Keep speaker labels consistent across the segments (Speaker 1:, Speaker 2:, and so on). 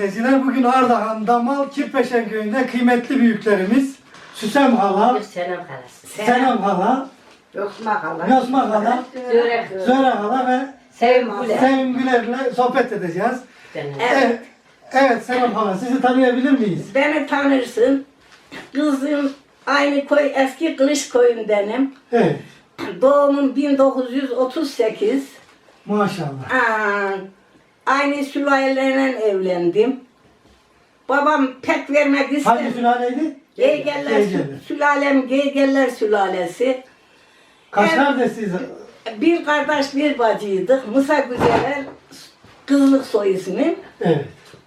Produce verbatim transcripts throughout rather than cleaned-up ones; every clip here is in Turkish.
Speaker 1: izleyiciler, bugün Ardahan Damal Kirpeşen köyünde kıymetli büyüklerimiz Süsem Hala,
Speaker 2: Selam halası.
Speaker 1: Senem Hala,
Speaker 3: Yosma hala.
Speaker 1: Yosma Hala,
Speaker 2: Zörek.
Speaker 1: Zöre Hala ve
Speaker 2: Sevim Güler.
Speaker 1: Sevim Güler'le sohbet edeceğiz. Evet, evet Senem Hala, sizi tanıyabilir miyiz?
Speaker 3: Beni tanırsın. Kızım aynı köy, eski Kılıç köyündenim.
Speaker 1: Evet,
Speaker 3: Doğumum bin dokuz yüz otuz sekiz.
Speaker 1: maşallah.
Speaker 3: Aa, aynı sülaleyle evlendim. Babam pek vermek
Speaker 1: Hangi
Speaker 3: istemedi.
Speaker 1: sülaleydi?
Speaker 3: Geygeller,
Speaker 1: Geygeller.
Speaker 3: sülalem Geygeller sülalesi.
Speaker 1: Kaç
Speaker 3: Evet.
Speaker 1: kardeşsiniz?
Speaker 3: Bir kardeş bir bacıydık. Musa Güzeler, kızlık soy ismim.
Speaker 1: Evet,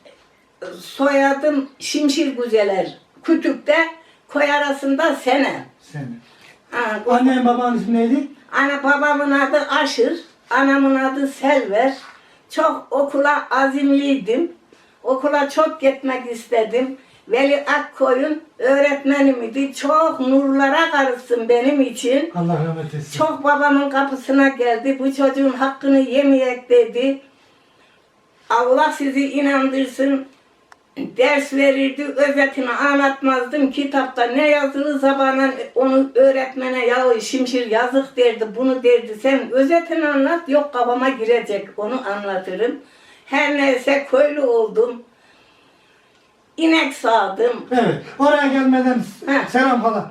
Speaker 3: Soyadım Şimşir Güzeler. Kütük'te koy arasında Senem.
Speaker 1: senin.
Speaker 3: Ha,
Speaker 1: Annen babanın ismi neydi?
Speaker 3: Ana babamın adı Aşır, anamın adı Selver. Çok okula azimliydim. Okula çok gitmek istedim. Veli Akkoyun öğretmenim idi. Çok nurlara karışsın benim için.
Speaker 1: Allah rahmet etsin.
Speaker 3: Çok babamın kapısına geldi. Bu çocuğun hakkını yemeyek dedi. Allah sizi inandırsın. Ders verirdi, özetini anlatmazdım. Kitapta ne yazılı zamanla onu öğretmene ya Şimşir yazık derdi, bunu derdi. Sen özetini anlat, yok kafama girecek, onu anlatırım. Her neyse köylü oldum. İnek sağdım.
Speaker 1: Evet, oraya gelmeden
Speaker 3: Heh.
Speaker 1: Selam Hala.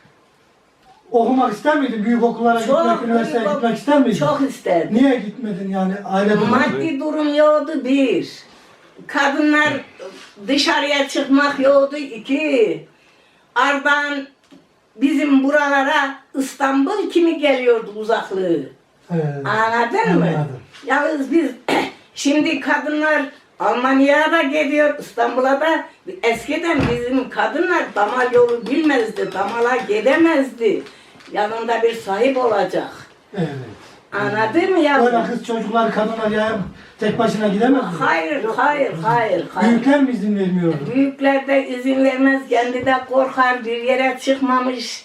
Speaker 1: Okumak ister miydin? Büyük okullara gitmek, üniversiteye
Speaker 3: çok-
Speaker 1: gitmek ister miydin?
Speaker 3: Çok isterdim.
Speaker 1: Niye gitmedin yani aile durumu?
Speaker 3: Maddi durum yoktu bir. Kadınlar dışarıya çıkmak yoktu iki. Ardahan bizim buralara İstanbul kimi geliyordu uzaklığı.
Speaker 1: Evet,
Speaker 3: Anladın mı?
Speaker 1: anladım.
Speaker 3: Yalnız biz şimdi kadınlar Almanya'ya da geliyor, İstanbul'a da. Eskiden bizim kadınlar damal yolu bilmezdi, damala gidemezdi. Yanında bir sahip olacak.
Speaker 1: Evet.
Speaker 3: Anladın mı yavrum?
Speaker 1: Öyle kız çocuklar, kadınlar ya tek başına gidemez mi?
Speaker 3: Hayır, hayır, hayır, hayır.
Speaker 1: Büyükler mi izin vermiyordu?
Speaker 3: Büyükler de izin vermez, kendi de korkar, bir yere çıkmamış,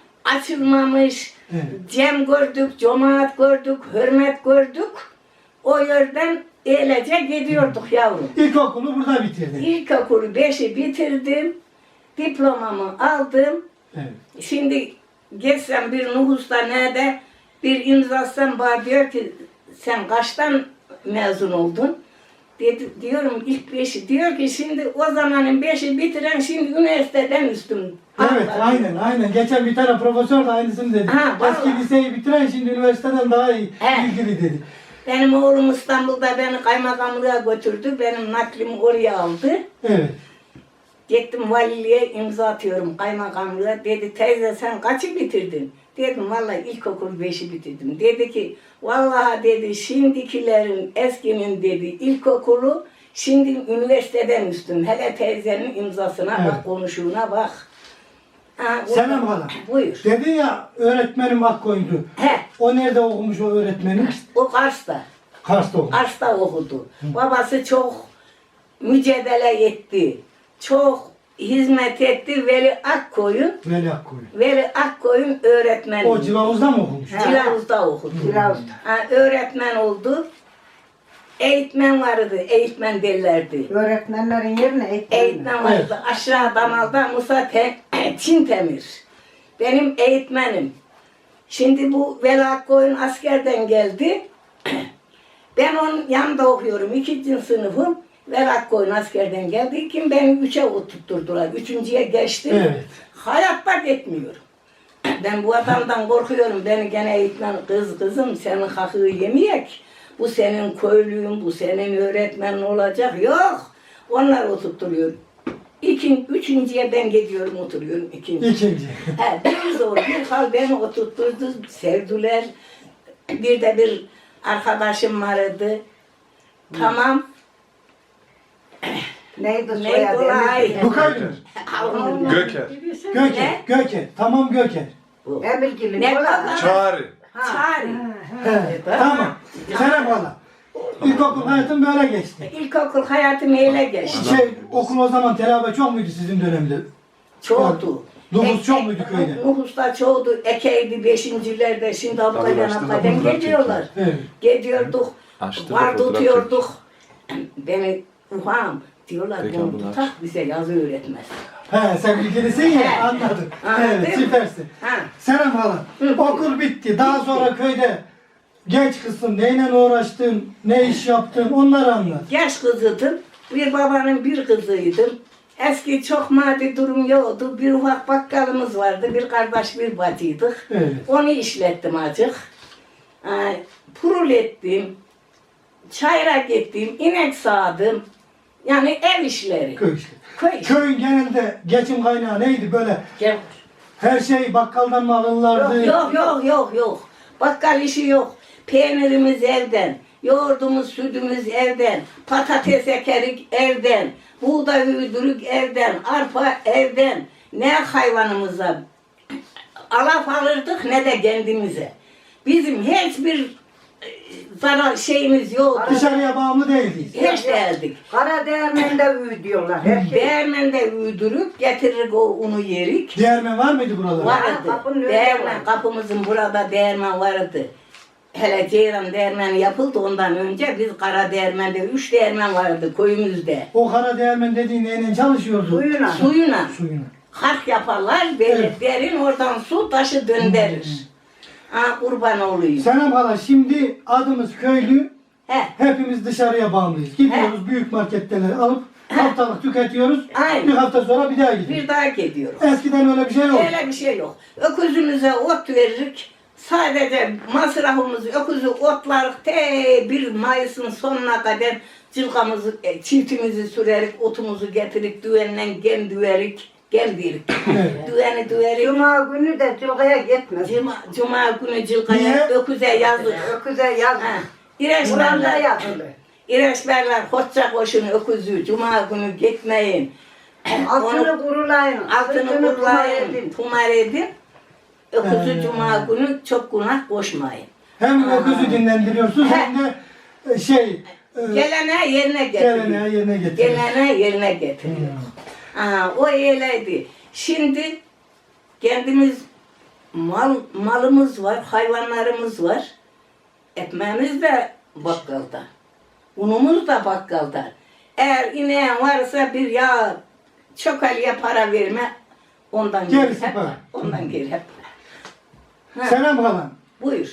Speaker 3: açılmamış.
Speaker 1: Evet.
Speaker 3: Cem gördük, cemaat gördük, hürmet gördük. O yerden eylece gidiyorduk yavrum.
Speaker 1: İlkokulu burada bitirdin.
Speaker 3: İlkokulu beşi bitirdim, diplomamı aldım.
Speaker 1: Evet.
Speaker 3: Şimdi geçsem bir nüfusta nerede bir imzasam bana diyor ki sen kaçtan mezun oldun? Dedi, diyorum ilk beşi. Diyor ki şimdi o zamanın beşi bitiren şimdi üniversiteden üstüm.
Speaker 1: Evet, aynen, aynen. Geçen bir tane profesör de aynısını dedi.
Speaker 3: Ha,
Speaker 1: Eski
Speaker 3: vallahi.
Speaker 1: liseyi bitiren şimdi üniversiteden daha iyi
Speaker 3: He.
Speaker 1: ilgili dedi.
Speaker 3: Benim oğlum İstanbul'da beni kaymakamlığa götürdü. Benim naklimi oraya aldı.
Speaker 1: Evet.
Speaker 3: Gittim valiliğe imza atıyorum kaymakamlığa. Dedi teyze sen kaçı bitirdin? Dedim vallahi ilkokul beşi bitirdim. Dedi ki vallahi dedi şimdikilerin eskinin dedi ilkokulu şimdi üniversiteden üstün. Hele teyzenin imzasına
Speaker 1: Evet.
Speaker 3: bak, konuşuğuna bak. Ha, o-
Speaker 1: Senem Hala.
Speaker 3: Buyur.
Speaker 1: Dedin ya öğretmenim Akkoyun'du.
Speaker 3: He,
Speaker 1: O nerede okumuş o öğretmenim?
Speaker 3: o Kars'ta.
Speaker 1: Kars'ta okumuş.
Speaker 3: Kars'ta okudu. Babası çok mücadele etti. Çok hizmet etti. Veli Akkoyun,
Speaker 1: Veli Akkoyun.
Speaker 3: Veli Akkoyun öğretmen.
Speaker 1: O Cilavuz'da mı okumuş?
Speaker 3: Cilavuz'da okudu.
Speaker 4: Cilavuz'da.
Speaker 3: Ha, öğretmen oldu. Eğitmen vardı, eğitmen derlerdi.
Speaker 4: Öğretmenlerin yerine eğitmenler.
Speaker 3: Eğitmen vardı. Aşağı damalda Musa Te Çintemir. Benim eğitmenim. Şimdi bu Veli Akkoyun askerden geldi. Ben onun yanında okuyorum. İkinci sınıfım. Veli Akkoyun askerden geldi. Kim beni üçe oturtturdular. Üçüncüye geçtim.
Speaker 1: Evet.
Speaker 3: Hayatta gitmiyorum. Ben bu adamdan korkuyorum. Beni gene eğitmen kız kızım senin hakkı yemeyek. Bu senin köylüğün, bu senin öğretmenin olacak. Yok. Onlar oturtturuyor. İkin, üçüncüye ben gidiyorum oturuyorum. İkinci.
Speaker 1: İkinci.
Speaker 3: He, bir zor bir hal beni oturtturdu. Sevdiler. Bir de bir arkadaşım vardı. Tamam.
Speaker 4: Neydi
Speaker 3: Ne
Speaker 4: soyadı?
Speaker 3: kolay.
Speaker 4: Emir-
Speaker 1: Bukaydın.
Speaker 3: Alnım.
Speaker 5: Göker.
Speaker 1: Göker.
Speaker 3: Ne?
Speaker 1: Göker. Tamam Göker.
Speaker 4: Emirgil'in
Speaker 3: Ne
Speaker 4: kolay.
Speaker 3: kolay.
Speaker 5: Çağrı.
Speaker 3: Çağrı.
Speaker 1: Evet. Tamam. Senem Hala. İlkokul hayatın böyle geçti.
Speaker 3: İlkokul hayatım öyle geçti.
Speaker 1: Şey, okul o zaman telabe çok muydu sizin dönemde?
Speaker 3: Çoğdu.
Speaker 1: Nüfus çok muydu köyde?
Speaker 3: Nüfusta çoğdu. Ekeydi beşincilerde. Şimdi Abkadan
Speaker 5: Tabii,
Speaker 3: Abkadan
Speaker 5: açtı da
Speaker 3: geliyorlar.
Speaker 1: Evet.
Speaker 3: Gidiyorduk.
Speaker 5: Açtı da
Speaker 3: Var
Speaker 5: fotoğraf
Speaker 3: tutuyorduk. Beni ufam. Diyorlar
Speaker 2: Peki
Speaker 3: bunu
Speaker 2: abla.
Speaker 3: tutak bize yazı öğretmez.
Speaker 1: He sen bilgilisin ya
Speaker 3: He.
Speaker 1: anladım.
Speaker 3: Anladın
Speaker 1: Evet
Speaker 3: mı?
Speaker 1: süpersin.
Speaker 3: Ha.
Speaker 1: Serap hala okul bitti. Daha sonra köyde genç kızsın. Neyle uğraştın? Ne iş yaptın? Onları anlat.
Speaker 3: Genç kızıydım. Bir babanın bir kızıydım. Eski çok maddi durum yoktu. Bir ufak bakkalımız vardı. Bir kardeş bir bacıydık.
Speaker 1: Evet.
Speaker 3: Onu işlettim acık. Ee, Purul ettim. Çayıra gittim. İnek sağdım. Yani ev işleri.
Speaker 1: Köy işte.
Speaker 3: Köy işi.
Speaker 1: Köyün genelde geçim kaynağı neydi böyle?
Speaker 3: Gel.
Speaker 1: Her şey bakkaldan mı alırlardı?
Speaker 3: Yok yok yok yok. Bakkal işi yok. Peynirimiz evden. Yoğurdumuz, sütümüz evden. Patates ekerik evden. Buğday üydürük evden. Arpa evden. Ne hayvanımıza alaf alırdık ne de kendimize. Bizim hiçbir e, zarar şeyimiz yoktu.
Speaker 1: Dışarıya bağımlı değildik.
Speaker 3: Hiç değildik.
Speaker 4: Kara değirmende üy diyorlar. Her şey.
Speaker 3: Değirmende üydürüp getirir o unu yerik.
Speaker 1: Değirmen var mıydı buralarda?
Speaker 3: Vardı.
Speaker 4: kapının önünde
Speaker 3: Değirmen,
Speaker 4: var.
Speaker 3: kapımızın burada değirmen vardı. Hele Ceyran değirmeni yapıldı ondan önce biz Kara Değirmen'de üç değirmen vardı köyümüzde.
Speaker 1: O kara değirmen dediğin neyle çalışıyordu?
Speaker 4: Suyuna.
Speaker 3: Suyuna
Speaker 1: Suyuna.
Speaker 3: hark yaparlar böyle
Speaker 1: Evet.
Speaker 3: derin oradan su taşı döndürür. Ha kurban olayım.
Speaker 1: Selam hala şimdi adımız köylü.
Speaker 3: He.
Speaker 1: Hepimiz dışarıya bağımlıyız. Gidiyoruz büyük marketleri alıp haftalık tüketiyoruz.
Speaker 3: Aynen.
Speaker 1: Bir hafta sonra bir daha gidiyoruz.
Speaker 3: Bir daha gidiyoruz.
Speaker 1: Eskiden öyle bir şey yok.
Speaker 3: Öyle bir şey yok. Öküzümüze ot veririk. Sadece masrafımızı öküzü otlarık te bir Mayıs'ın sonuna kadar cılgamızı, e, çiftimizi sürerik, otumuzu getirik, düğenden gem düverik, gem dirik.
Speaker 1: Evet.
Speaker 3: Düğeni düverik.
Speaker 4: Cuma günü de cılgaya gitmez.
Speaker 3: Cuma, Cuma günü cılgaya
Speaker 1: Niye?
Speaker 3: öküze yazdık.
Speaker 4: Öküze yaz.
Speaker 3: Ha.
Speaker 4: Kur'an'da
Speaker 3: İreçberler,
Speaker 4: yazılı.
Speaker 3: İreçberler hoşça koşun öküzü, Cuma günü gitmeyin.
Speaker 4: Altını kurulayın.
Speaker 3: Altını
Speaker 4: sırtını
Speaker 3: kurlayın,
Speaker 4: edin.
Speaker 3: tumar edin. Öküzü
Speaker 1: He.
Speaker 3: Cuma günü çok günah koşmayın.
Speaker 1: Hem
Speaker 3: Aa.
Speaker 1: öküzü dinlendiriyorsun
Speaker 3: He.
Speaker 1: hem de e, şey e,
Speaker 3: Gelene yerine getiriyor.
Speaker 1: geleneği yerine getiriyorsun.
Speaker 3: Gelene yerine getiriyor. Aa, o öyleydi. Şimdi kendimiz mal malımız var, hayvanlarımız var. Ekmeğimiz de bakkalda. Unumuz da bakkalda. Eğer ineğin varsa bir yağ çökelye para verme. Ondan geri
Speaker 1: Gerisi
Speaker 3: hep.
Speaker 1: para.
Speaker 3: Ondan geri hep. Ha,
Speaker 1: Selam halam.
Speaker 3: buyur.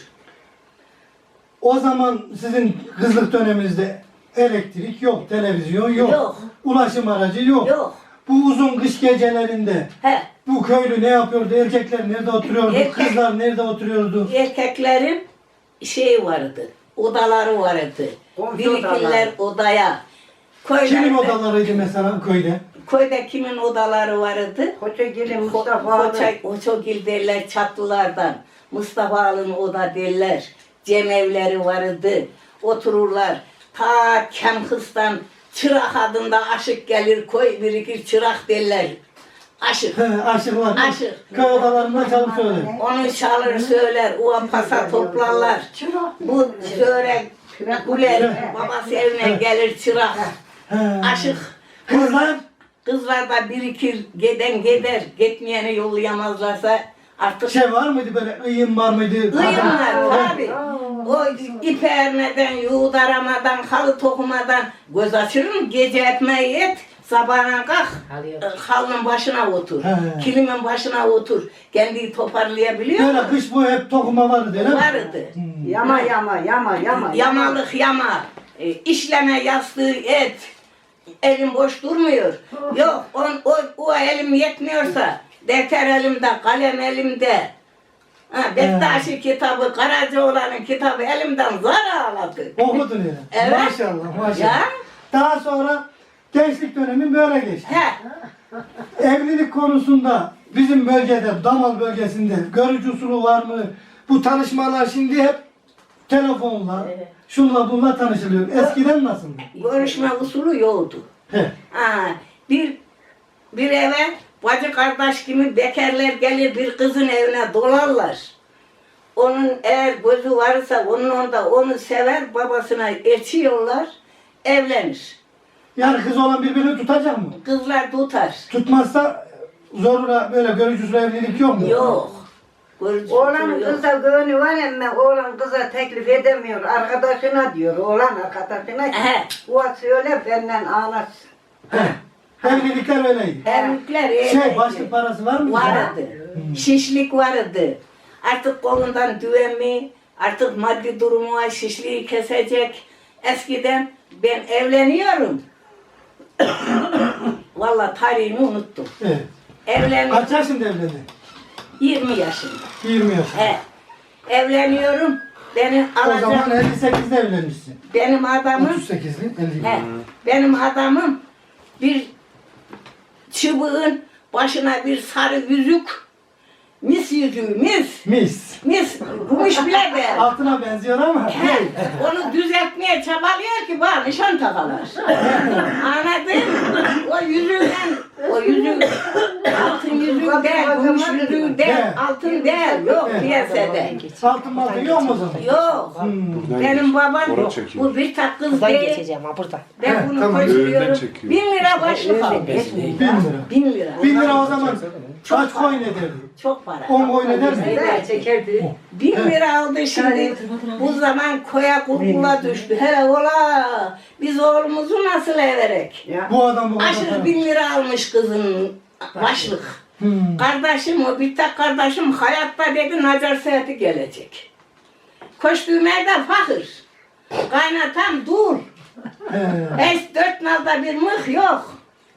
Speaker 1: O zaman sizin kızlık döneminizde elektrik yok, televizyon yok,
Speaker 3: Yok.
Speaker 1: ulaşım aracı yok.
Speaker 3: Yok.
Speaker 1: Bu uzun kış gecelerinde
Speaker 3: He.
Speaker 1: bu köylü ne yapıyordu? Erkekler nerede oturuyordu?
Speaker 3: Erkek-
Speaker 1: Kızlar nerede oturuyordu?
Speaker 3: Erkeklerin şey vardı, odaları vardı.
Speaker 4: Komşu
Speaker 3: Birikirler
Speaker 4: odaları.
Speaker 3: odaya. Köylerde,
Speaker 1: Kimin odalarıydı mesela köyde?
Speaker 3: Köyde kimin odaları vardı?
Speaker 4: Koçagili Mustafa abi.
Speaker 3: Koça, Koçogil derler çatlılardan. Mustafa Alın oda derler. Cemevleri vardı. Otururlar. Ta Kemkıs'tan çırak adında aşık gelir. Koy birikir çırak derler. Aşık.
Speaker 1: He, aşıklar.
Speaker 3: Aşık.
Speaker 1: Köy odalarında çalıp söyler.
Speaker 3: Onu çalır söyler, o pasa toplarlar. Bu söyle güler, babası evine gelir çırak,
Speaker 1: He.
Speaker 3: aşık.
Speaker 1: Kızlar
Speaker 3: Kızlar da birikir, giden gider, gitmeyeni yollayamazlarsa artık
Speaker 1: şey var mıydı böyle ıyım var mıydı?
Speaker 3: kıyımlar
Speaker 1: Adam-
Speaker 3: tabi. O ip ermeden, yuğut aramadan, halı tokumadan göz açırım, gece ekmeği et, sabahına kalk, halının başına otur,
Speaker 1: He.
Speaker 3: kilimin başına otur, kendini toparlayabiliyor
Speaker 1: Böyle
Speaker 3: musun?
Speaker 1: kış boyu hep dokuma vardı değil mi?
Speaker 3: Vardı.
Speaker 4: Yama yama yama yama.
Speaker 3: Yamalık yama, e, işleme yastığı et, elim boş durmuyor. Yok, on, o, o elim yetmiyorsa, defter elimde, kalem elimde. Ha, Bektaşi kitabı, Karacaoğlan'ın kitabı elimden zar ağladı.
Speaker 1: Okudun ya.
Speaker 3: Evet.
Speaker 1: Maşallah maşallah.
Speaker 3: Ya.
Speaker 1: Daha sonra gençlik dönemi böyle geçti.
Speaker 3: He,
Speaker 1: Evlilik konusunda bizim bölgede, Damal bölgesinde görücü usulü var mı? Bu tanışmalar şimdi hep telefonla,
Speaker 3: Evet.
Speaker 1: şunla bununla tanışılıyor. Eskiden nasıldı?
Speaker 3: görüşme usulü yoktu.
Speaker 1: He.
Speaker 3: Ha, bir bir eve bacı kardeş gibi bekarlar gelir bir kızın evine dolarlar. Onun eğer gözü varsa onun onda onu sever babasına elçiyorlar evlenir.
Speaker 1: Yani kız olan birbirini tutacak mı?
Speaker 3: Kızlar tutar.
Speaker 1: Tutmazsa zorla böyle görücü usulü evlilik yok mu?
Speaker 3: Yok. Görücü
Speaker 4: Oğlan
Speaker 3: usulü yok.
Speaker 4: kıza gönlü var ama oğlan kıza teklif edemiyor. Arkadaşına diyor. Oğlan arkadaşına ki
Speaker 3: He.
Speaker 4: o söyle benden anlatsın.
Speaker 1: Evlilikler öyleydi.
Speaker 3: Evlilikler öyleydi.
Speaker 1: Şey başlık parası var mı?
Speaker 3: Vardı. Şişlik vardı. Artık kolundan düğen mi? Artık maddi durumu var, şişliği kesecek. Eskiden ben evleniyorum. Vallahi tarihini unuttum.
Speaker 1: Evet.
Speaker 3: Evlen
Speaker 1: Kaç yaşında evlendin?
Speaker 3: yirmi yaşında.
Speaker 1: yirmi yaşında.
Speaker 3: He. Evleniyorum. Beni
Speaker 1: O zaman
Speaker 3: alacak.
Speaker 1: elli sekizde evlenmişsin.
Speaker 3: Benim adamım
Speaker 1: otuz sekizli, elli.
Speaker 3: he, benim adamım bir çubuğun başına bir sarı yüzük, mis yüzüğü, mis,
Speaker 1: Mis.
Speaker 3: mis, gümüş bile de.
Speaker 1: Altına benziyor ama.
Speaker 3: He, onu düzeltmeye çabalıyor ki bana nişan takalar. Anladın mı? O yüzüğden, o yüzük, altın yüzüğü değil, gümüş yüzüğü değil, altın değil, yok piyasada.
Speaker 1: Altın maltın yok mu o zaman?
Speaker 3: Yok.
Speaker 1: Hmm.
Speaker 3: Benim babam
Speaker 2: Oraya çekiyor.
Speaker 3: bu bir tak kız
Speaker 5: Buradan
Speaker 3: değil.
Speaker 5: geçeceğim ha burada.
Speaker 3: Ben
Speaker 1: He,
Speaker 3: bunu
Speaker 1: tamam.
Speaker 3: koşturuyorum.
Speaker 2: Öğünden çekiyor.
Speaker 3: Bin lira başlık aldım.
Speaker 1: Bin lira.
Speaker 3: Bin lira.
Speaker 1: Bin lira o zaman
Speaker 3: Çok
Speaker 1: kaç
Speaker 3: para.
Speaker 1: koyun ederdi?
Speaker 3: Çok para.
Speaker 1: On koyun eder mi?
Speaker 3: Evet.
Speaker 4: çekerdi.
Speaker 3: Bin lira aldı şimdi. Bu zaman koya kurkula düştü. Hele ola. Biz oğlumuzu nasıl everek?
Speaker 4: Ya.
Speaker 1: Bu adam bu kadar
Speaker 3: Aşırı
Speaker 1: para.
Speaker 3: bin lira almış kızın başlık.
Speaker 1: Hmm.
Speaker 3: Kardeşim o bir tek kardeşim hayatta dedi Nacar Saati gelecek. Koştuğum evde fakir. Kaynatam dur.
Speaker 1: He.
Speaker 3: Hiç dört nalda bir mıh yok.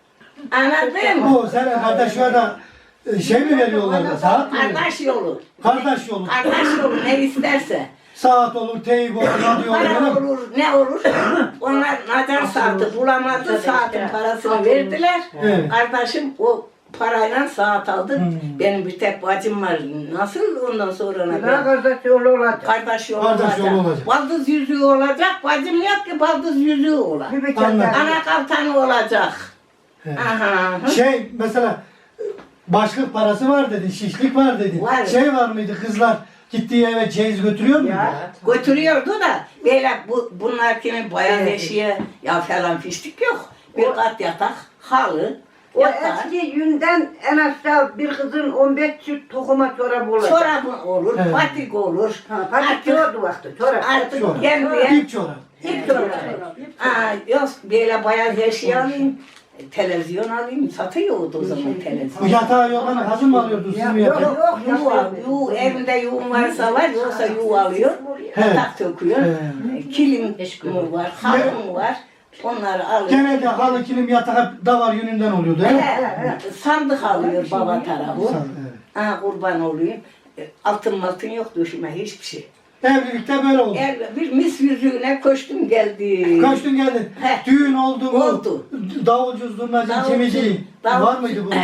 Speaker 3: Anladın mı?
Speaker 1: Bu senin kardeşine de e, şey mi veriyorlar da saat mi?
Speaker 3: Kardeş yolu.
Speaker 1: Kardeş yolu.
Speaker 3: Kardeş yolu ne isterse.
Speaker 1: Saat olur, teyip olur, radyo olur. öyle
Speaker 3: Para
Speaker 1: mi?
Speaker 3: olur, ne olur. Onlar Nacar saati bulamadı, saatin parasını verdiler.
Speaker 1: Evet.
Speaker 3: Kardeşim o parayla saat aldı.
Speaker 1: Hmm.
Speaker 3: Benim bir tek bacım var. Nasıl ondan sonra
Speaker 4: Ne
Speaker 3: ben?
Speaker 4: kardeş yolu olacak.
Speaker 3: Kardeş yolu
Speaker 1: Kardeş
Speaker 3: olacak.
Speaker 1: yolu olacak.
Speaker 3: Baldız yüzüğü olacak. Bacım yok ki baldız yüzüğü olacak.
Speaker 4: Bir bir
Speaker 1: Anladım.
Speaker 4: tane.
Speaker 3: Ana kaltanı olacak.
Speaker 1: He.
Speaker 3: Aha.
Speaker 1: Şey mesela e, başlık parası var dedin, şişlik var dedin.
Speaker 3: Var.
Speaker 1: Şey var mıydı kızlar gittiği eve çeyiz götürüyor muydu?
Speaker 4: Ya.
Speaker 3: Götürüyordu da böyle bu bunlar kimin bayan eşiği ya falan fiştik yok. Bir kat yatak, halı,
Speaker 4: O
Speaker 3: yatak,
Speaker 4: eski yünden en aşağı bir kızın on beş çift tokuma çorabı olacak.
Speaker 3: çorabı olur,
Speaker 1: Evet.
Speaker 3: patik olur.
Speaker 4: Ha, patik
Speaker 3: Artık,
Speaker 4: diyordu vakti çorap.
Speaker 3: artık
Speaker 1: Çorap.
Speaker 3: gelmeye
Speaker 1: İp çorap.
Speaker 3: ip çorabı. Aa, yok böyle bayan eşya alayım, televizyon alayım, satıyordu o zaman
Speaker 1: Bu
Speaker 3: televizyon.
Speaker 1: yatağı yok hani hazır mı alıyordun siz mi
Speaker 3: Yok
Speaker 1: yapıyordunuz?
Speaker 3: yok yuva, yuva, evinde yuva varsa var, yoksa yuva alıyor, yatak söküyor,
Speaker 1: Evet.
Speaker 3: kilim mi var, halı mı var, onları alıyor.
Speaker 1: Genelde halı kilim yatak hep davar yönünden oluyordu. He?
Speaker 3: He, sandık alıyor baba tarafı.
Speaker 1: San- evet.
Speaker 3: Ha, kurban olayım. E, Altın maltın yok düşme hiçbir şey.
Speaker 1: Evlilikte böyle oldu.
Speaker 3: El, bir mis yüzüğüne koştum geldi.
Speaker 1: Kaç gün geldin?
Speaker 3: He.
Speaker 1: Düğün oldu mu?
Speaker 3: Oldu.
Speaker 1: Davulcu, zurnacı,
Speaker 3: Davulcu,
Speaker 1: kemici.
Speaker 3: davulcu.
Speaker 1: Var mıydı bunlar?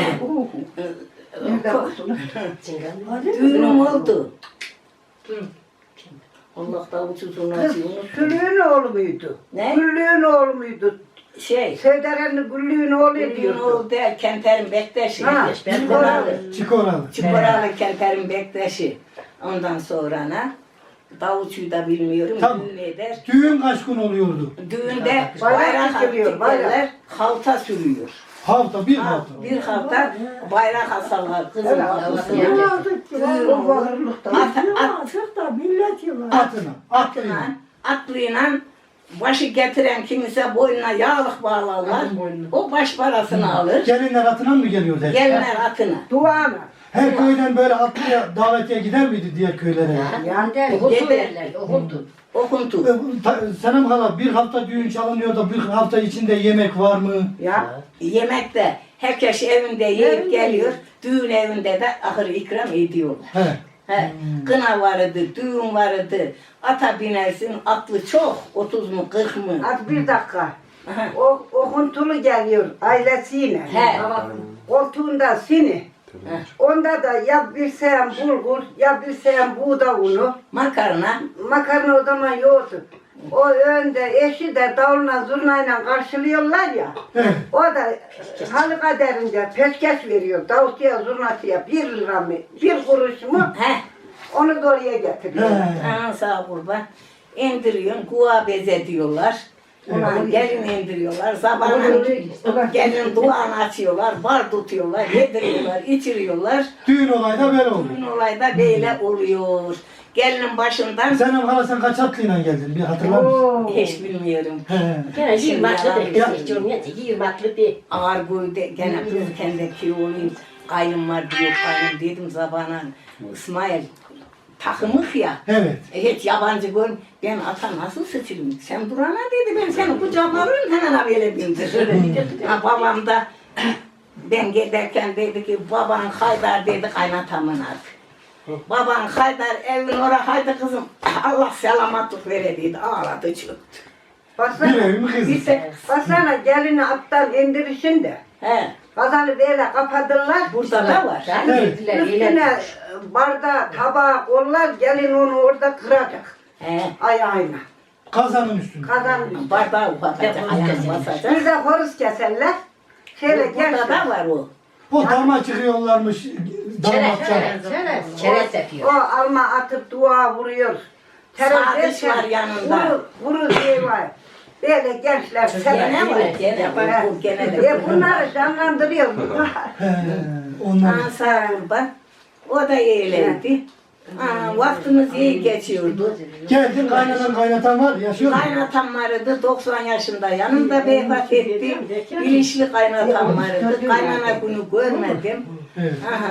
Speaker 3: Düğünüm oldu. Allah davulcu zurnacı unuttum.
Speaker 4: Güllüğün oğlu muydu?
Speaker 3: Ne?
Speaker 4: Güllüğün oğlu muydu?
Speaker 3: Şey,
Speaker 4: Sevderenli Güllüğün oğlu
Speaker 3: düğün
Speaker 4: diyordu.
Speaker 3: oldu ya Kenter'in bektaşı.
Speaker 4: Ha,
Speaker 3: Çikoralı.
Speaker 1: Çikoralı.
Speaker 3: Çikoralı Kenter'in bektaşı. Ondan sonra ne? Davulcuyu da bilmiyorum.
Speaker 1: Tamam.
Speaker 3: Düğün eder.
Speaker 1: Düğün kaç gün oluyordu?
Speaker 3: Düğünde
Speaker 4: Bayrak
Speaker 3: bayrak
Speaker 4: dikiliyor, bayrak.
Speaker 3: diklerler, halta sürüyor.
Speaker 1: Hafta, bir
Speaker 3: Ha,
Speaker 1: hafta.
Speaker 3: bir halta bayrak asarlar kızın kafasına. Düğün
Speaker 4: O
Speaker 3: olur.
Speaker 4: bağırlıkta.
Speaker 3: At, at,
Speaker 1: Atına, atlayın.
Speaker 3: atla, atlıyla başı getiren kimse boynuna yağlık bağlarlar. O baş parasını alır.
Speaker 1: Gelinler atına mı geliyordu? hep?
Speaker 3: Gelinler atına.
Speaker 4: Duana.
Speaker 1: Her köyden böyle atlıya davetiye gider miydi diğer köylere?
Speaker 4: Yani
Speaker 5: Okultu derler, okultu.
Speaker 3: Okuntu.
Speaker 1: E, bu ta- Senem hala bir hafta düğün çalınıyor da bir hafta içinde yemek var mı?
Speaker 4: ya.
Speaker 3: Yemekte herkes evinde yiyip geliyor. Düğün evinde de ahır ikram ediyorlar.
Speaker 1: He.
Speaker 3: He, kına vardı, düğün vardı. Ata binersin, atlı çok. otuz mu, kırk mı?
Speaker 4: Az bir dakika.
Speaker 3: Aha.
Speaker 4: O okuntulu geliyor ailesiyle.
Speaker 3: He.
Speaker 4: Koltuğunda sini. Onda da ya bir seyen bulgur ya bir seyen buğda unu.
Speaker 3: Makarna.
Speaker 4: Makarna o zaman yoktu. O önde eşi de davuluna zurnayla karşılıyorlar ya.
Speaker 1: Evet.
Speaker 4: O da halı kaderince peşkeş veriyor. Davulcuya zurnasıya bir lira mı bir kuruş mu
Speaker 3: He.
Speaker 4: onu da oraya getiriyor.
Speaker 1: He.
Speaker 3: Ana sağ kurban. İndiriyorsun, kuva beze diyorlar. Ona gelin indiriyorlar. Sabahın gelin duanı açıyorlar, bar tutuyorlar, yediriyorlar, içiriyorlar.
Speaker 1: Düğün olayı da böyle oluyor.
Speaker 3: Bugün olayda böyle oluyor. gelinin başından
Speaker 1: Senem hala sen kaç atlıyla geldin? Bir hatırlar mısın?
Speaker 4: Oo.
Speaker 3: hiç bilmiyorum.
Speaker 1: He.
Speaker 5: Gene yirmi atlı
Speaker 3: yalan
Speaker 5: değil.
Speaker 1: ya.
Speaker 5: Hiç olmayacak. yirmi atlı değil.
Speaker 3: Ağır boyda gene kızken de ki olayım. Kaynım var diyor kaynım dedim zabana. İsmail takımık ya.
Speaker 1: Evet.
Speaker 3: E, hiç yabancı gör. Ben ata nasıl sıçırım? Sen durana dedi ben seni kucağıma alırım hemen abiyle bindirir. Ha, babam da ben giderken dedi ki baban Haydar dedi kaynatamın adı. Baban Haydar evin oraya haydi kızım Allah selamatlık vere dedi ağladı çöktü.
Speaker 1: Bir
Speaker 4: Baksana,
Speaker 1: evim kızı.
Speaker 3: Bir tek
Speaker 4: baksana gelini attan indirişin de.
Speaker 3: he,
Speaker 4: Kazanı böyle kapatırlar.
Speaker 3: burada da var.
Speaker 5: Yani
Speaker 1: Evet.
Speaker 5: dediler,
Speaker 4: Üstüne
Speaker 5: iyiler.
Speaker 4: e, bardağı, tabağı kollar, gelin onu orada kıracak.
Speaker 3: He,
Speaker 4: Ayağıyla.
Speaker 1: Kazanın üstünde.
Speaker 4: Kazan.
Speaker 3: bardağı ufakacak ayağını basacak.
Speaker 4: Bir de horoz keserler. Şöyle
Speaker 3: Burada da
Speaker 4: gençler.
Speaker 3: var o.
Speaker 1: O dama çıkıyorlarmış. Damatça.
Speaker 5: Çerez. Çerez
Speaker 4: O
Speaker 5: yapıyor.
Speaker 4: alma atıp dua vuruyor.
Speaker 3: Sadıç var yanında.
Speaker 4: Vuru, vuru diye var. Böyle gençler
Speaker 3: Gene
Speaker 4: sever.
Speaker 3: var gene var. Bu gene de.
Speaker 4: E bunları canlandırıyor.
Speaker 1: He. Onlar.
Speaker 3: Aa, sağ kurban. O da eğlendi. Aa, vaktimiz iyi geçiyordu.
Speaker 1: Geldin kaynanan kaynatan var. Yaşıyor mu?
Speaker 3: Kaynatam vardı doksan yaşında yanımda vefat etti. İlişli kaynatam vardı. Kaynana günü görmedim.
Speaker 1: Evet.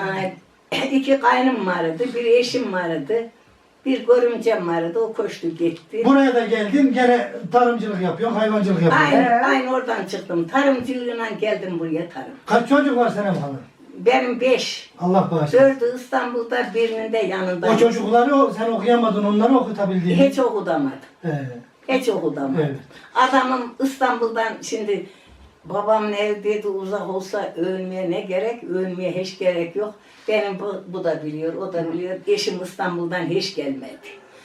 Speaker 3: Aha, iki kaynım vardı, bir eşim vardı. Bir görümcem vardı, o koştu gitti.
Speaker 1: Buraya da geldin gene tarımcılık yapıyorsun, hayvancılık yapıyorsun.
Speaker 3: Aynı, aynı oradan çıktım. Tarımcılığına geldim buraya tarım.
Speaker 1: Kaç çocuk var Senem hala?
Speaker 3: Benim beş.
Speaker 1: Allah bağışlasın.
Speaker 3: Dördü İstanbul'da, birinin de yanında.
Speaker 1: O çocukları o- sen okuyamadın, onları okutabildin.
Speaker 3: Hiç okudamadım.
Speaker 1: He.
Speaker 3: Hiç okudamadım.
Speaker 1: Evet.
Speaker 3: Adamım İstanbul'dan şimdi babam evdeydi uzak olsa ölmeye ne gerek? Ölmeye hiç gerek yok. Benim bu, bu da biliyor, o da biliyor. Eşim İstanbul'dan hiç gelmedi.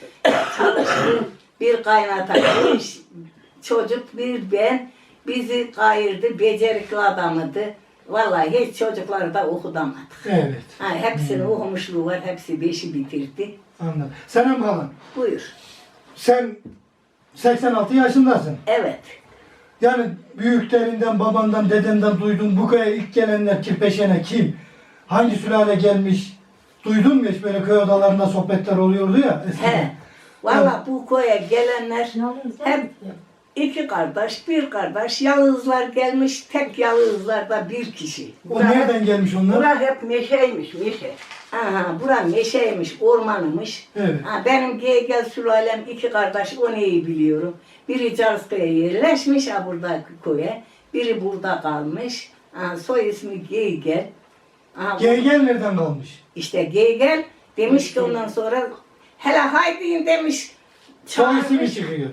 Speaker 3: Çalıştı. Bir kaynata, beş çocuk, bir ben. Bizi kayırdı, becerikli adamıydı. Vallahi hiç çocukları da okutamadık.
Speaker 1: Evet.
Speaker 3: Ha, hepsinin okumuşluğu var, hepsi beşi bitirdi.
Speaker 1: Anladım. Senem hala,
Speaker 3: Buyur.
Speaker 1: sen seksen altı yaşındasın.
Speaker 3: Evet.
Speaker 1: Yani büyüklerinden, babandan, dedenden duydun. Bu köye ilk gelenler Kirpeşen'e kim? Hangi sülale gelmiş? Duydun mu hiç böyle köy odalarında sohbetler oluyordu ya eskiden?
Speaker 3: He. Vallahi bu koya gelenler hep iki kardeş, bir kardeş, yalızlar gelmiş, tek yalızlar da bir kişi.
Speaker 1: O nereden gelmiş onlar?
Speaker 4: Bunlar hep meşeymiş, meşe.
Speaker 3: Aha, bura meşeymiş, ormanımış.
Speaker 1: Evet.
Speaker 3: Ha, benim Geygel sülalem iki kardeş, onu iyi biliyorum. Biri Carskaya yerleşmiş ha buradaki köye, biri burada kalmış. Ha, soy ismi Geygel. Ha, bu-
Speaker 1: Geygel nereden kalmış?
Speaker 3: İşte Geygel demiş ki ondan sonra hele haydi demiş.
Speaker 1: Soy ismi
Speaker 3: çağırmış.
Speaker 1: çıkıyor.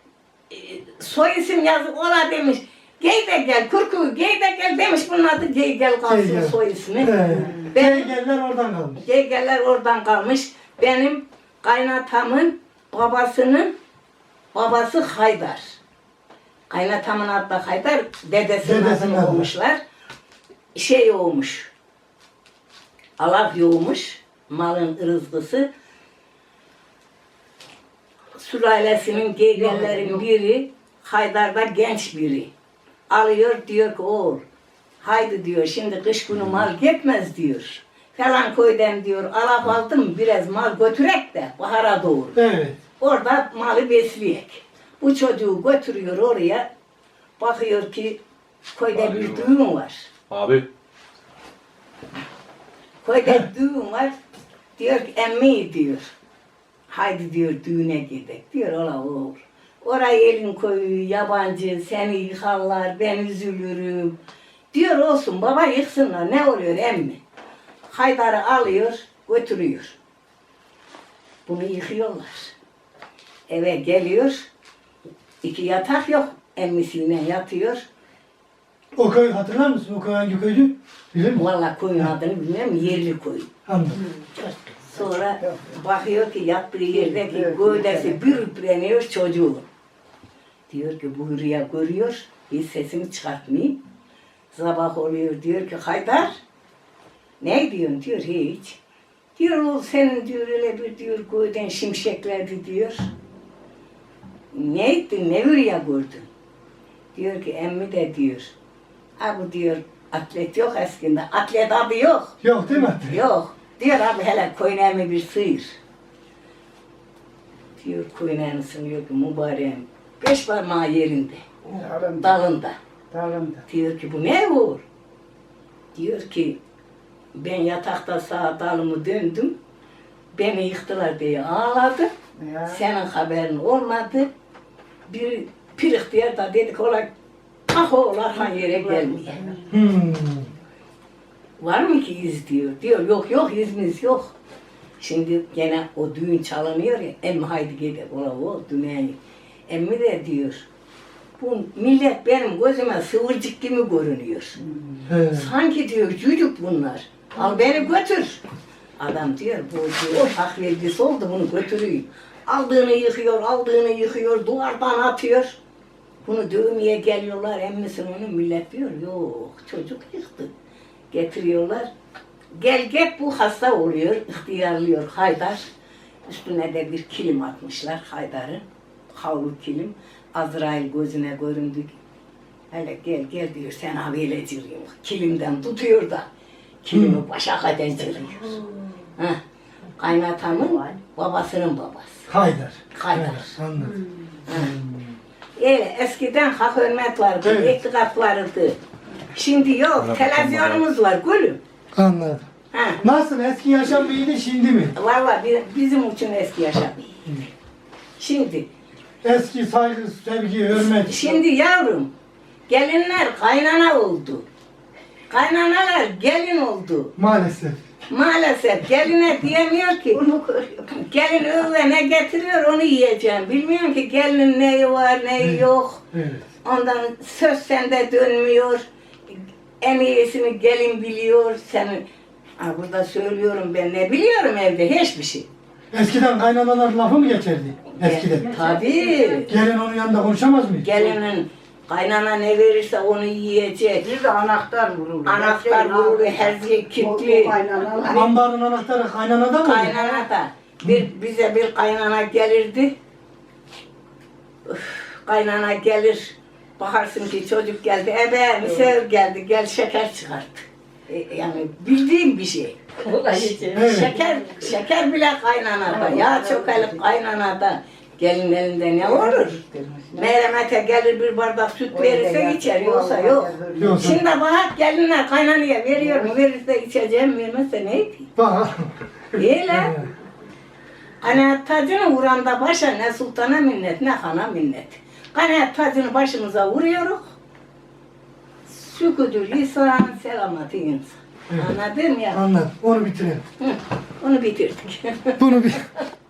Speaker 3: Soy isim yazıp ola demiş. Gey de gel, kurku gey de gel demiş bunun adı gey gel kalsın
Speaker 1: Geygel.
Speaker 3: soy ismi.
Speaker 1: He.
Speaker 3: Ben-
Speaker 1: Geygeller oradan kalmış.
Speaker 3: Gey geller oradan kalmış. Benim kaynatamın babasının babası Haydar. Kaynatamın adı da Haydar, dedesinin,
Speaker 1: Dedesinin
Speaker 3: adını
Speaker 1: adı.
Speaker 3: olmuşlar. Şey olmuş. Alak yoğmuş, malın rızkısı. Sülalesinin geygellerin biri, Haydar'da genç biri. Alıyor diyor ki oğul, haydi diyor şimdi kış günü mal gitmez diyor. Falan köyden diyor alap aldım biraz mal götürek de bahara doğru.
Speaker 1: Evet.
Speaker 3: Orada malı besleyek. Bu çocuğu götürüyor oraya. Bakıyor ki köyde bir düğün var.
Speaker 2: Abi.
Speaker 3: Köyde düğün var. Diyor ki emmi diyor. Haydi diyor düğüne gidelim. Diyor ola oğul. Oraya elin koyu yabancı seni yıkarlar ben üzülürüm. Diyor olsun baba yıksınlar ne oluyor emmi. Haydar'ı alıyor götürüyor. Bunu yıkıyorlar. Eve geliyor. İki yatak yok. Emmisiyle yatıyor.
Speaker 1: O köy hatırlar mısın? O köy hangi köydü? Bilir misin?
Speaker 3: Vallahi koyun adını bilmiyorum. Yerli koyun.
Speaker 1: Anladım.
Speaker 3: Sonra bakıyor ki yattığı yerdeki gövdesi bir üpleniyor çocuğu. Diyor ki bu rüya görüyor. Hiç sesini çıkartmayayım. Sabah oluyor diyor ki Haydar. Ne diyorsun diyor hiç. Diyor o senin diyor öyle bir diyor gövden şimşeklerdi diyor. Ne ettin ne rüya gördün? Diyor ki emmi de diyor. Ha bu diyor atlet yok eskinde. Atlet adı yok.
Speaker 1: Yok değil mi?
Speaker 3: Yok. Diyor abi hele koyun emmi bir sıyır. Diyor kuyunağını sınıyor ki mübareğim. Beş parmağı yerinde,
Speaker 4: Dalında.
Speaker 3: dalında.
Speaker 4: Dalında.
Speaker 3: Diyor ki bu ne olur? Diyor ki ben yatakta sağa dalımı döndüm. Beni yıktılar diye ağladı.
Speaker 4: Ya.
Speaker 3: Senin haberin olmadı. Bir pirik diye da dedik ola ah oğlar han yere gelmiyor.
Speaker 1: Hmm.
Speaker 3: Var mı ki iz diyor. Diyor yok yok izimiz yok. Şimdi gene o düğün çalınıyor ya. Emmi haydi gidelim. Ola o düğün. Emmi de diyor. Bu millet benim gözüme sıvırcık gibi görünüyor.
Speaker 1: He.
Speaker 3: Sanki diyor çocuk bunlar. Al beni götür. Adam diyor bu diyor hak vergisi oldu bunu götürüyor. Aldığını yıkıyor, aldığını yıkıyor, duvardan atıyor. Bunu dövmeye geliyorlar, emmisin onu millet diyor. Yok çocuk yıktı. Getiriyorlar. Gel get bu hasta oluyor, ihtiyarlıyor Haydar. Üstüne de bir kilim atmışlar Haydar'ın. Havlu kilim. Azrail gözüne göründü. Hele gel gel diyor sen habeyle cırıyor. Kilimden tutuyor da kilimi başa kadar cırıyor. Heh. Kaynatamın babasının babası.
Speaker 1: Haydar.
Speaker 3: Haydar.
Speaker 1: Evet, anladım.
Speaker 3: Öyle eskiden hak hürmet vardı,
Speaker 1: Evet.
Speaker 3: itikaf vardı. Şimdi yok, televizyonumuz var gülüm.
Speaker 1: Anladım.
Speaker 3: Ha.
Speaker 1: Nasıl eski yaşam iyiydi şimdi mi?
Speaker 3: Valla bi- bizim için eski yaşam iyi. Şimdi,
Speaker 1: Eski saygı, sevgi, hürmet.
Speaker 3: şimdi yavrum, gelinler kaynana oldu. Kaynanalar gelin oldu.
Speaker 1: Maalesef.
Speaker 3: Maalesef geline diyemiyor ki,
Speaker 4: Bunu görüyorum.
Speaker 3: gelin öyle ne getiriyor onu yiyeceğim. Bilmiyorum ki gelinin neyi var neyi yok.
Speaker 1: Evet.
Speaker 3: Ondan söz sende dönmüyor. En iyisini gelin biliyor. Senin ha, burada söylüyorum ben ne biliyorum evde hiçbir şey.
Speaker 1: Eskiden kaynanalar lafı mı geçerdi? Eskiden.
Speaker 3: Tabii.
Speaker 1: Gelin onun yanında konuşamaz mı?
Speaker 3: Gelinin kaynana ne verirse onu yiyecek.
Speaker 4: Bir de anahtar vurulur.
Speaker 3: Anahtar vurulur, her şey kilitli.
Speaker 4: O kaynanalar.
Speaker 1: Ambarın anahtarı kaynanada mı?
Speaker 3: Kaynana da bir, bize bir kaynana gelirdi. Üf, kaynana gelir. Bakarsın ki çocuk geldi. Ebe misafir geldi. Gel şeker çıkart. E, yani bildiğim bir şey.
Speaker 1: Evet.
Speaker 3: Şeker şeker bile kaynanada. Yağ çökelip kaynanada. Gelin elinde ne olur? Meremete gelir bir bardak süt verirse içer. Yoksa yok.
Speaker 1: Yoksa-
Speaker 3: Şimdi bak gelinler kaynanaya veriyor mu? Verirse içeceğim, vermezse ne edeyim?
Speaker 1: Bak.
Speaker 3: Öyle. Kanaat tacını vuranda başa ne sultana minnet ne hana minnet. Kanaat tacını başımıza vuruyoruz. Sükûdü lisan, selameti insan.
Speaker 1: Evet.
Speaker 3: Anladın ya?
Speaker 1: Anladım. Onu bitirelim.
Speaker 3: Hı, onu bitirdik.
Speaker 1: Bunu bir